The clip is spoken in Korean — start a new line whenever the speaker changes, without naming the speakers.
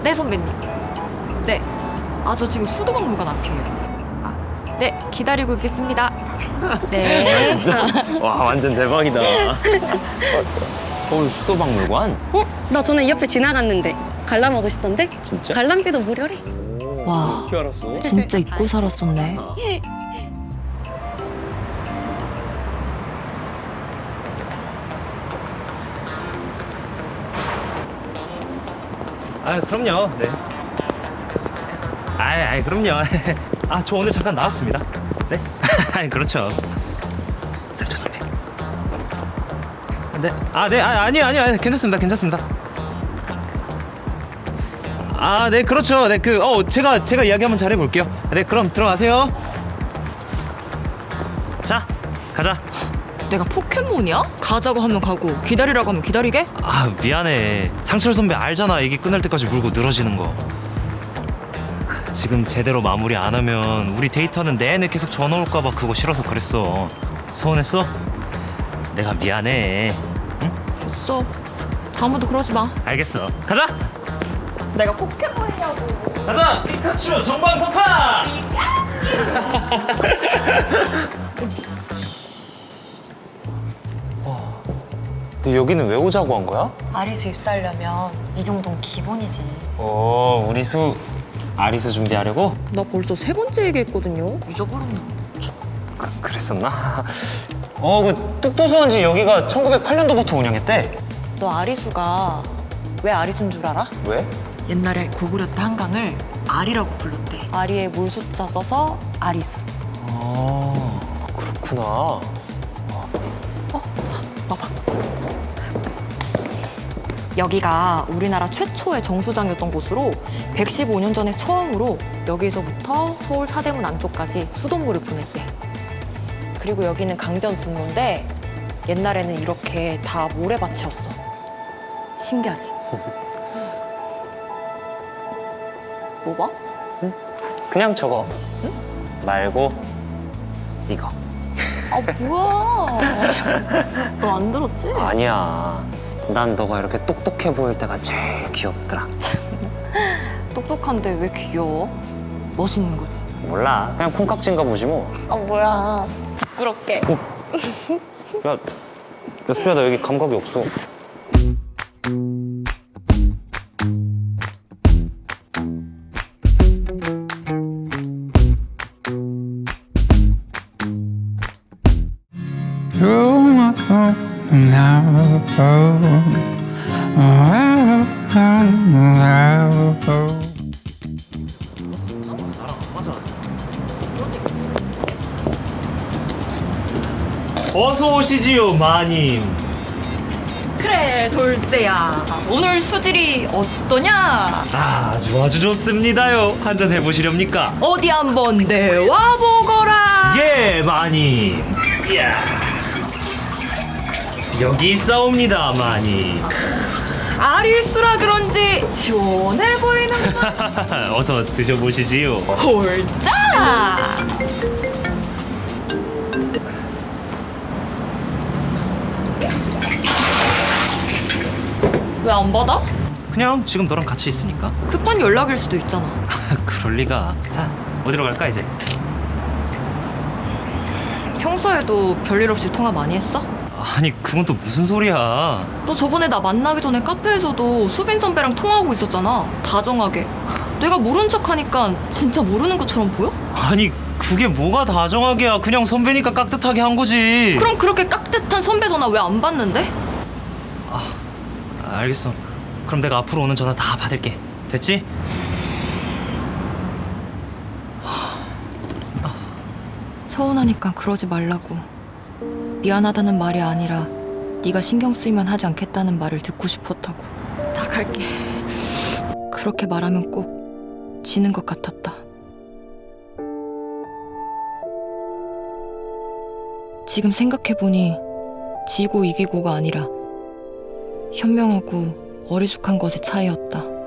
네, 선배님. 네. 저 지금 수도박물관 앞이에요. 네, 기다리고 있겠습니다. 네.
진짜? 와, 완전 대박이다. 서울 수도박물관?
나 전에 이 옆에 지나갔는데 관람하고 싶던데?
진짜?
관람비도 무료래.
와,
어떻게 알았어?
진짜 잊고 살았었네.
아, 그럼요. 네. 그럼요. 저 오늘 잠깐 나왔습니다. 네. 그렇죠. 상처 선배. 네. 아니요. 괜찮습니다. 네, 그렇죠. 네, 제가 이야기 한번 잘 해볼게요. 네, 그럼 들어가세요. 자, 가자.
내가 포켓몬이야? 가자고 하면 가고 기다리라고 하면 기다리게?
미안해. 상철 선배 알잖아. 얘기 끝날 때까지 물고 늘어지는 거. 지금 제대로 마무리 안 하면 우리 데이터는 내내 계속 전화 올까봐 그거 싫어서 그랬어. 서운했어? 내가 미안해.
됐어. 다음부터 그러지 마.
알겠어. 가자. 내가 포켓몬이냐고. 가자. 피카츄 정방석파.
너 여기는 왜 오자고 한 거야?
아리수 입사하려면 이 정도는 기본이지.
우리 수 아리수 준비하려고?
나 벌써 3번째 얘기했거든요. 잊어버렸나?
그랬었나? 그 뚝도수원지 여기가 1908년도부터 운영했대.
너 아리수가 왜 아리수인 줄 알아?
왜?
옛날에 고구려 때 한강을 아리라고 불렀대.
아리에 물 숫자 써서 아리수.
그렇구나.
여기가 우리나라 최초의 정수장이었던 곳으로 115년 전에 처음으로 여기서부터 서울 사대문 안쪽까지 수돗물을 보냈대. 그리고 여기는 강변 분로인데 옛날에는 이렇게 다 모래밭이었어. 신기하지? 뭐 봐?
그냥 저거. 응? 말고 이거.
뭐야? 너 안 들었지?
아니야. 난 너가 이렇게 똑똑해 보일 때가 제일 귀엽더라.
똑똑한데 왜 귀여워? 멋있는 거지.
몰라. 그냥 콩깍지인가 보지 뭐.
뭐야? 부끄럽게.
야, 수야, 나 여기 감각이 없어.
어서 오시지요, 마님.
그래, 돌쇠야. 오늘 수질이 어떠냐?
아주 좋습니다요. 한잔 해보시렵니까?
어디 한번 내와 보거라.
예, 마님. 이야. 여기 있사옵니다, 마님.
아리수라 그런지 시원해 보이는
어서 드셔보시지요.
홀짜. 왜 안 받아?
그냥 지금 너랑 같이 있으니까.
급한 연락일 수도 있잖아.
그럴 리가. 자, 어디로 갈까 이제?
평소에도 별일 없이 통화 많이 했어?
아니, 그건 또 무슨 소리야?
너 저번에 나 만나기 전에 카페에서도 수빈 선배랑 통화하고 있었잖아. 다정하게. 내가 모른 척하니까 진짜 모르는 것처럼 보여?
아니, 그게 뭐가 다정하게야. 그냥 선배니까 깍듯하게 한 거지.
그럼 그렇게 깍듯한 선배 전화 왜 안 받는데?
알겠어. 그럼 내가 앞으로 오는 전화 다 받을게. 됐지?
서운하니까 그러지 말라고. 미안하다는 말이 아니라 네가 신경 쓰이면 하지 않겠다는 말을 듣고 싶었다고. 나갈게. 그렇게 말하면 꼭 지는 것 같았다. 지금 생각해보니 지고 이기고가 아니라 현명하고 어리숙한 것의 차이였다.